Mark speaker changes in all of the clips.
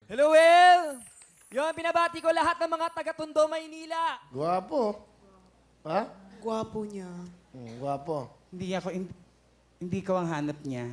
Speaker 1: Hello, Will! Yun, binabati ko lahat ng mga taga-Tondo, Maynila.
Speaker 2: Guwapo. Ha?
Speaker 3: Gwapo niya.
Speaker 2: Guwapo.
Speaker 4: Hindi ko ang hanap niya.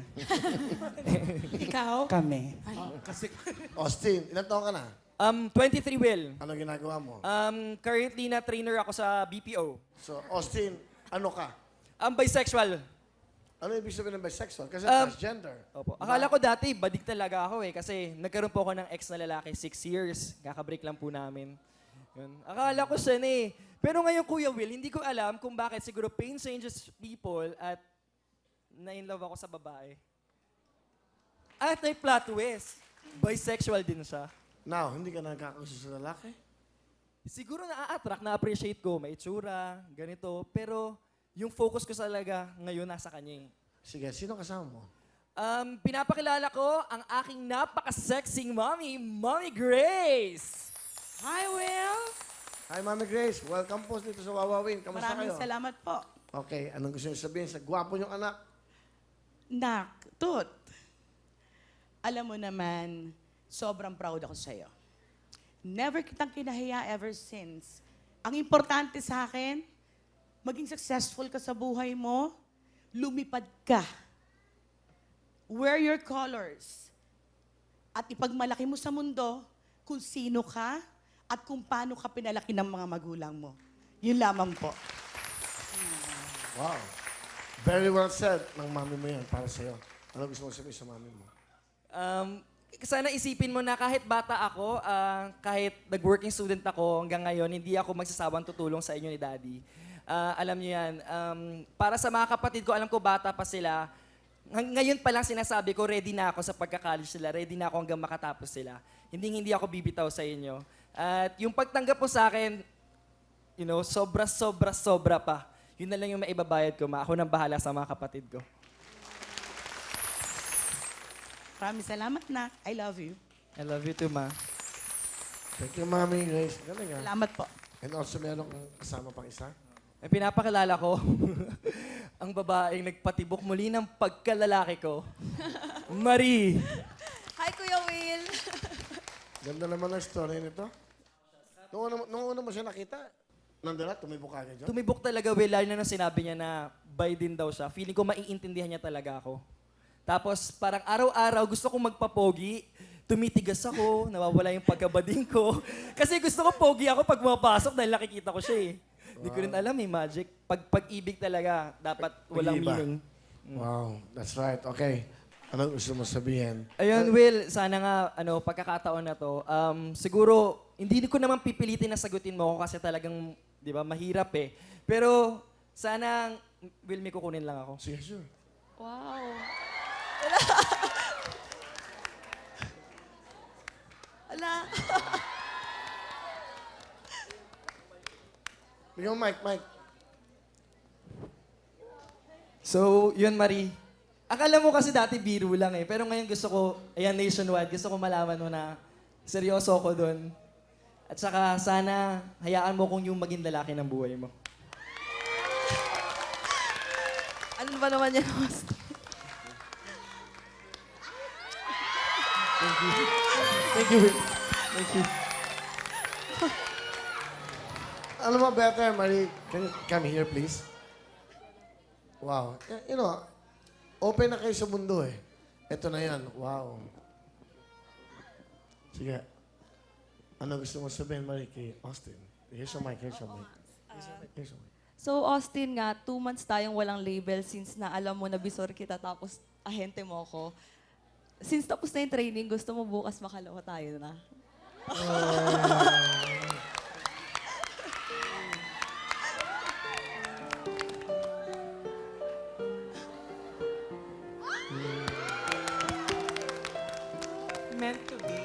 Speaker 3: Ikaw?
Speaker 4: Kami.
Speaker 2: Austin, ilan taon ka na?
Speaker 1: 23, Will.
Speaker 2: Ano ginagawa mo?
Speaker 1: Currently na trainer ako sa BPO.
Speaker 2: So, Austin, ano ka?
Speaker 1: Bisexual.
Speaker 2: Ano ibig sabihin ng bisexual? Kasi
Speaker 1: Um,
Speaker 2: transgender.
Speaker 1: Opo. Akala ko dati, badik talaga ako eh. Kasi nagkaroon po ako ng ex na lalaki, 6 years. Kakabreak lang po namin. Yun. Akala ko siya na eh. Pero ngayon, Kuya Will, hindi ko alam kung bakit siguro pain changes people at na-inlove ako sa babae. At may plot twist. Bisexual din siya.
Speaker 2: Now, hindi ka nagkakagusto sa lalaki?
Speaker 1: Siguro na-attract, na-appreciate ko, may itsura, ganito. Pero yung focus ko talaga ngayon nasa kanya eh.
Speaker 2: Sige, sino kasama mo?
Speaker 1: Pinapakilala ko ang aking napaka-sexing mommy, Mommy Grace!
Speaker 3: Hi, Will.
Speaker 2: Hi, Mami Grace. Welcome po dito sa Wawawin. Kamusta
Speaker 3: Maraming
Speaker 2: kayo?
Speaker 3: salamat po.
Speaker 2: Okay, anong gusto niyo sabihin sa gwapo niyong anak?
Speaker 3: Nak, Tut. Alam mo naman, sobrang proud ako sa'yo. Never kitang kinahiya ever since. Ang importante sa akin, maging successful ka sa buhay mo, lumipad ka. Wear your colors. At ipagmalaki mo sa mundo kung sino ka at kung paano ka pinalaki ng mga magulang mo. Yun lamang po.
Speaker 2: Wow. Very well said ng mami mo yan para sa'yo. Ano gusto mo sabihin sa mami mo?
Speaker 1: Sana isipin mo na kahit bata ako, kahit nag-working student ako, hanggang ngayon, hindi ako magsasawang tutulong sa inyo ni Daddy. Alam niyo yan, para sa mga kapatid ko, alam ko bata pa sila, ngayon pa lang sinasabi ko, ready na ako sa pagka-college sila, ready na ako hanggang makatapos sila. Hindi ako bibitaw sa inyo. At yung pagtanggap po sa akin, you know, sobra pa. Yun na lang yung maibabayad ko, ma. Ako nang bahala sa mga kapatid ko.
Speaker 3: Maraming salamat na. I love you.
Speaker 1: I love you too, ma.
Speaker 2: Thank you, Mami Grace. Galing nga.
Speaker 3: Salamat po.
Speaker 2: And also, meron kang kasama pang isa?
Speaker 1: May pinapakilala ko, ang babaeng nagpatibok muli ng pagkalalaki ko, Marie.
Speaker 5: Hi, Kuya Will.
Speaker 2: Ganda naman ang story nito. Nung una mo siya nakita, nandun na, tumibok ka agad dyan.
Speaker 1: Tumibok talaga, Will, lalo na nung sinabi niya na bi din daw siya. Feeling ko maiintindihan niya talaga ako. Tapos parang araw-araw gusto kong magpapogi, tumitigas ako, nawawala yung pagkabading ko. Kasi gusto ko pogi ako pag pumapasok dahil nakikita ko siya eh. Hindi ko rin alam eh, magic. Pag-ibig talaga, dapat walang
Speaker 2: Pag-iba.
Speaker 1: meaning.
Speaker 2: Wow, that's right. Okay. Anong gusto mo sabihin?
Speaker 1: Ayun, Will, sana nga, pagkakataon na to, siguro, hindi ko naman pipilitin na sagutin mo ako kasi talagang, di ba, mahirap eh. Pero, sana, Will, may kukunin lang ako.
Speaker 2: Sige, sure.
Speaker 5: Wow. Ala.
Speaker 2: Bigyan mo Mike.
Speaker 1: So, yun, Marie. Akala mo kasi dati biro lang eh. Pero ngayon gusto ko, ayan, nationwide, gusto ko malaman mo na seryoso ako doon. At saka, sana, hayaan mo kung yung maging lalaki ng buhay mo.
Speaker 5: Ano ba naman yan, host?
Speaker 1: Thank you, Will. Thank you.
Speaker 2: Alam mo, better, Marie, can you come here, please? Wow. You know, open na kayo sa mundo eh. Ito na yan. Wow. Sige. Ano gusto mo sabihin, Marie, kay Austin? Here's your mic. Here's your mic.
Speaker 5: So, Austin nga, 2 months tayong walang label since na alam mo na bisor kita tapos ahente mo ko. Since tapos na yung training, gusto mo bukas makalawa tayo na.
Speaker 3: Meant to be.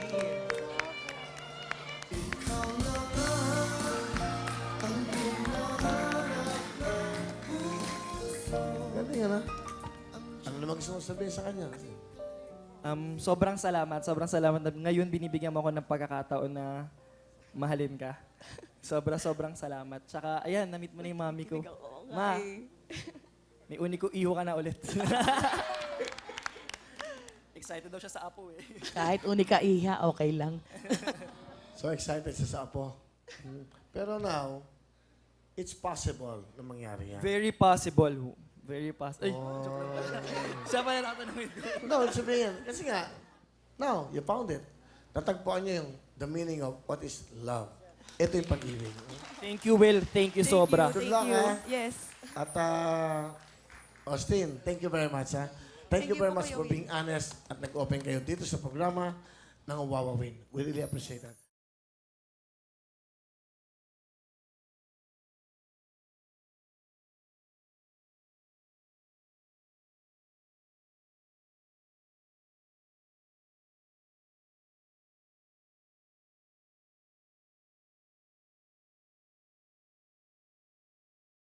Speaker 2: Galing yan, ha? Ano naman gusto mo sabihin sa kanya?
Speaker 1: Sobrang salamat na ngayon binibigyan mo ako ng pagkakataon na mahalin ka. Sobrang salamat. Tsaka, ayan, na-meet mo na yung mami ko. Ma, may uni ko iho ka na ulit. Excited daw siya sa Apo eh.
Speaker 3: Kahit unika iha, okay lang.
Speaker 2: So excited siya sa apo. Pero now, it's possible na mangyari yan.
Speaker 1: Very possible. Very possible. Ay, joke lang. Siya pa na tatanungin ko.
Speaker 2: No, ibig sabihin, kasi nga, now, you found it. Natagpuan niyo yung the meaning of what is love. Ito yung pag-ibig.
Speaker 1: Thank you, Will. Thank you sobra.
Speaker 2: Good luck, ha?
Speaker 5: Yes.
Speaker 2: At Austin, thank you very much, ha? Thank you very much for being honest at nag-open kayo dito sa programa ng Wawa Win. We really appreciate that.